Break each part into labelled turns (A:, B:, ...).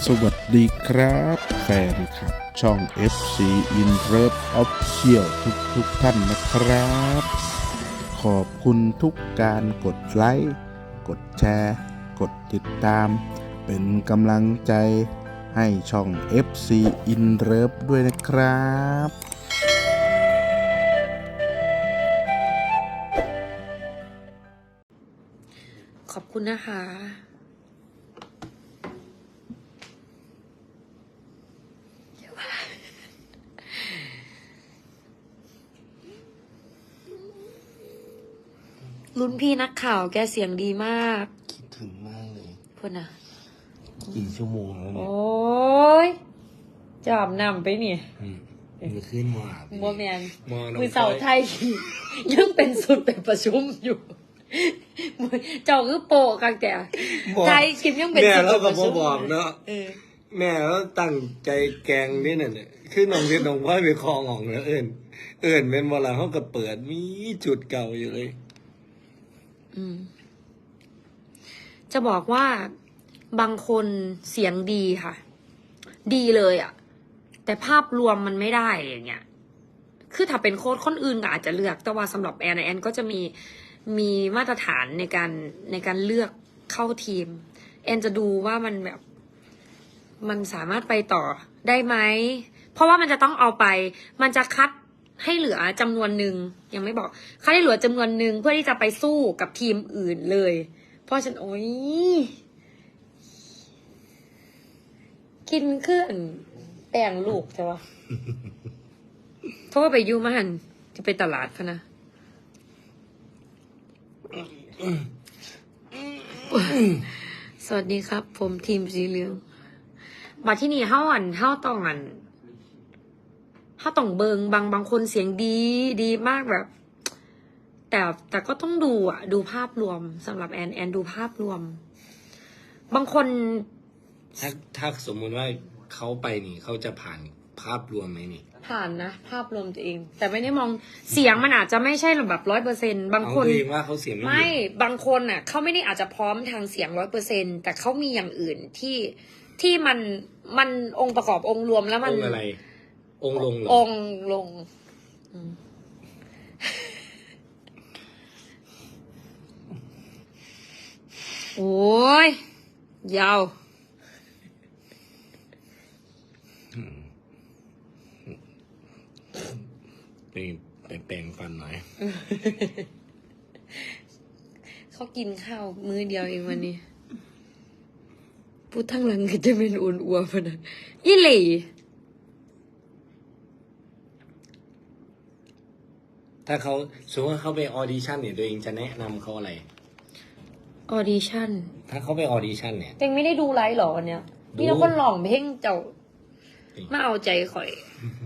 A: สวัสดีครับแฟนคลับช่อง FC In Love Official ทุกท่านนะครับ ขอบคุณทุกการกดไลค์กดแชร์กดติดตาม เป็นกำลังใจให้ช่อง FC In Love ด้วยนะครับ
B: ขอบคุณนะคะลุ้นพี่นักข่าวแกเสียงดีมาก
C: คิดถึงมากเลย
B: พูดนะ
C: กี่ชั่วโมงแล้ว
B: โอ
C: เนี่ย้
B: ยจอบนำไปนี่
C: มือขึ้นมา
B: โมแมน
C: มองน้อง
B: มือเสาไทย ยังเป็นสุดเป็นประชุมอยู่เจ้าคือโปะกันแต่ไทยคิมยังเป็น
C: แม่
B: สุด
C: เรา
B: เป็น
C: ก็
B: ประชุม
C: บอกเนาะ
B: เออ
C: แม่เราตั้งใจแกงนี่น่ะเนี่ยคือน้องเรียนน้องพ่อยไปคลองของแล้วเอิญเป็นเวลาเขาก็เปิดมีจุดเก่าอยู่เลย
B: จะบอกว่าบางคนเสียงดีค่ะ ดีเลยอะแต่ภาพรวมมันไม่ได้อย่างเงี้ยคือถ้าเป็นโค้ชคนอื่นก็อาจจะเลือกแต่ว่าสำหรับแอนก็จะมีมาตรฐานในการเลือกเข้าทีมแอนจะดูว่ามันแบบมันสามารถไปต่อได้ไหมเพราะว่ามันจะต้องเอาไปมันจะคัดให้เหลือจำนวนหนึ่งยังไม่บอกคัดให้เหลือจำนวนหนึ่งเพื่อที่จะไปสู้กับทีมอื่นเลยเพราะฉันโอ้ยกินเครื่องแป้งลูกใช่ปะเพราะว่าไปยูมาหันจะไปตลาดคะนะสวัสดีครับ ผมทีมสีเหลืองมาที่นี่เฮ้าต้องเบิงบางคนเสียงดีมากแบบ แต่ก็ต้องดูดูภาพรวมสำหรับแอนดูภาพรวม บางคน
C: ถ้าสมมุติว่าเขาไปนี่เขาจะผ่านภาพรวมไหมนี่
B: ผ่านนะภาพรวมตัวเอง แต่ไม่ได้มองเสียงมันอาจจะไม่ใช่แบบ100%บางคน
C: เอาตัวเองว่าเขาเสียงไม่
B: ไม่
C: ดี
B: บางคนเขาไม่ได้อาจจะพร้อมทางเสียง100%แต่เขามีอย่างอื่นที่มันองค์ประกอบองค์รวมแล้ว
C: อ
B: มัน
C: งค์อะไร องค์ลงเหรอ
B: องค์ลงโอ้ยยาว
C: ไปแปลงฟันหน่อย
B: เขากินข้าวมื้อเดียวเองวันนี้พูดทั้งหลังก็จะเป็นอ้วนอ้วนพนะยี่หลี่
C: ถ้าเขาสมมติว่าเขาไปออดิชั่นเนี่ยตัวเองจะแนะนำเขาอะไร
B: ออดิชั่น
C: ถ้าเขาไปออดิชั่นเนี่ย
B: เต็งไม่ได้ดูไลฟ์หรอวันเนี้ย
C: ดู
B: มีแต่คนหลองเพลงเจ้ามาเอาใจข่อย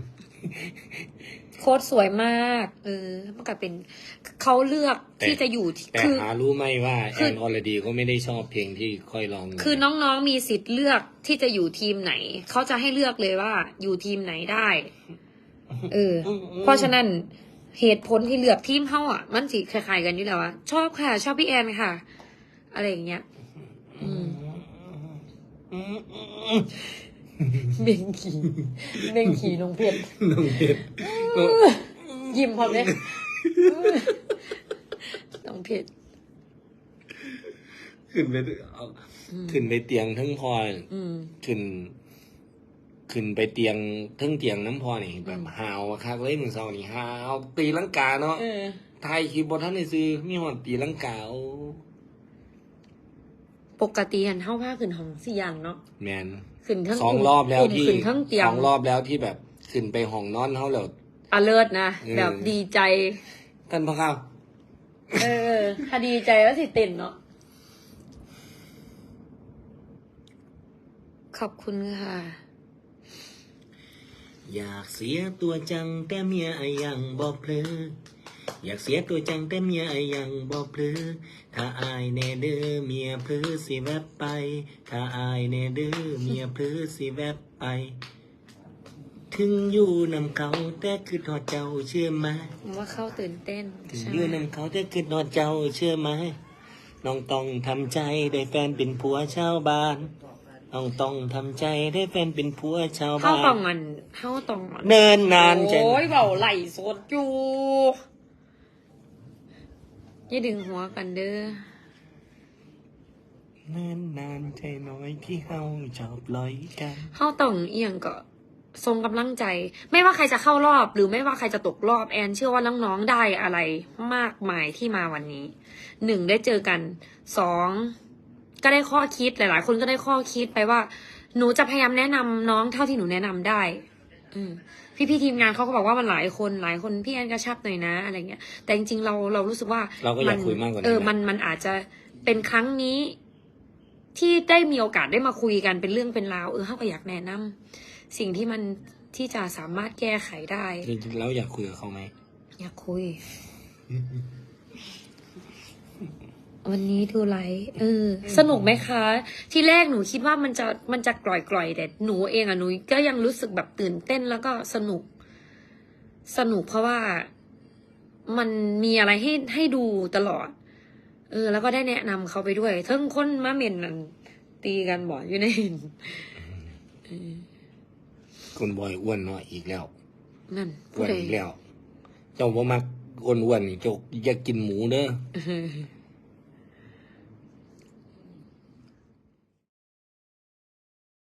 B: โค้ดสวยมากมันก็เป็นเขาเลือกที่จะอยู่ที่
C: แต่
B: คือ
C: หารู้ไหมว่า
B: คื
C: แอ
B: อ
C: นออลดีก็ไม่ได้ชอบเพลงที่ค่อยร้อง
B: คือน้องๆมีสิทธิ์เลือกที่จะอยู่ทีมไหน เขาจะให้เลือกเลยว่าอยู่ทีมไหนได้ เพราะฉะนั้นเหตุผลที่เลือกทีมเขามันสิคล้ายๆกันอยู่แล้วชอบค่ะ ชอบพี่แอนค่ะ อะไรอย่างเงี้ยเบ่งขี่น้องเพชร
C: น้องเพชร
B: ยิ้มพร้อมเลยน้องเพชร
C: ขึ้นไปเอาขึ้นไปเตียงทั้งพอขึ้นไปเตียงทั้งเตียงน้ำพอนี่แบบหาวคักเลยมึงเศร้านี่หาวตีลังกาเนาะไทยคีย์บอร์ดท่านในซื้อมีหอดตีลังกาโอ้
B: ปกติหันเท่าผ้าขึ้นห้องสี่อย่างเนาะ
C: แมน
B: ขึ้นทั้ง
C: สองรอบแล้วที่
B: ขึ้นทั้งเตียง
C: สองรอบแล้วที่แบบขึ้นไปห้องนอนเขาแล้ว
B: alert นะแบบดีใจ
C: ท่านพ่อข้าว
B: ถ้าดีใจแล้วสิเต้นเนาะขอบคุณค่ะ
C: อยากเสียตัวจังแต่เมียยังบอกเพลออยากเสียตัวจังแต่เมียยังบอกเพลอถ้าอายแน่เด้อเมียเพลอสิแวบไปถ้าอายแน่เด้อเมียเพลอสิแวบไป ถึงอยู่นำเขาแต่คือทอดเจ้าเชื่อไหม
B: ผมว่าเขาตื่นเต้น
C: ถึง
B: ใช่
C: อยู่นำเขาแต่คือทอดเจ้าเชื่อไหมน้องต้องทำใจได้แฟนเป็นผัวชาวบ้านต้องทำใจได้แฟนเป็นผัวชาว
B: เข้า
C: บ้า
B: ตอน งอันเข้าตองอัน
C: เนินนานใจ
B: โอ้ยเบาไหลสดอยู่อย่าดึงหัวกันเด้อ
C: เนินนานใจน้อยที่เฮาชอบลอยกัน
B: เข้าต้องเอียงก็ทรงกำลังใจ ไม่ว่าใครจะเข้ารอบ หรือไม่ว่าใครจะตกรอบแอนเชื่อว่าน้องๆได้อะไรมากมายที่มาวันนี้1ได้เจอกัน2ก็ได้ข้อคิดหลายๆคนก็ได้ข้อคิดไปว่า หนูจะพยายามแนะนำน้องเท่าที่หนูแนะนำได้พี่ทีมงานเขาก็บอกว่ามันหลายคนพี่แอนกระชับหน่อยนะอะไรเงี้ยแต่จริงๆเรารู้สึกว่า
C: เราก็อยากคุยมากกว่านั้น
B: มันอาจจะเป็นครั้งนี้ ที่ได้มีโอกาสได้มาคุยกันเป็นเรื่องเป็นราวเขาก็อยากแนะนำสิ่งที่มันที่จะสามารถแก้ไขได้
C: จริงๆแล้วอยากคุยกับเขาไหม
B: อยากคุย วันนี้ดูไลฟ์สนุกไหมคะ ที่แรกหนูคิดว่ามันจะกร่อยๆแต่หนูเองหนูก็ยังรู้สึกแบบตื่นเต้นแล้วก็สนุกเพราะว่ามันมีอะไรให้ดูตลอด แล้วก็ได้แนะนำเขาไปด้วยทั้งคนมาเมนนั่นตีกันบ่อยอยู่ใน
C: คนบอยอ้วนเนาะอีกแล้ว
B: นั่น
C: อ้วนอีกแล้ว เจ้าบ่มักอ้วนๆนี่เจ้าอยากกินหมูเด้อ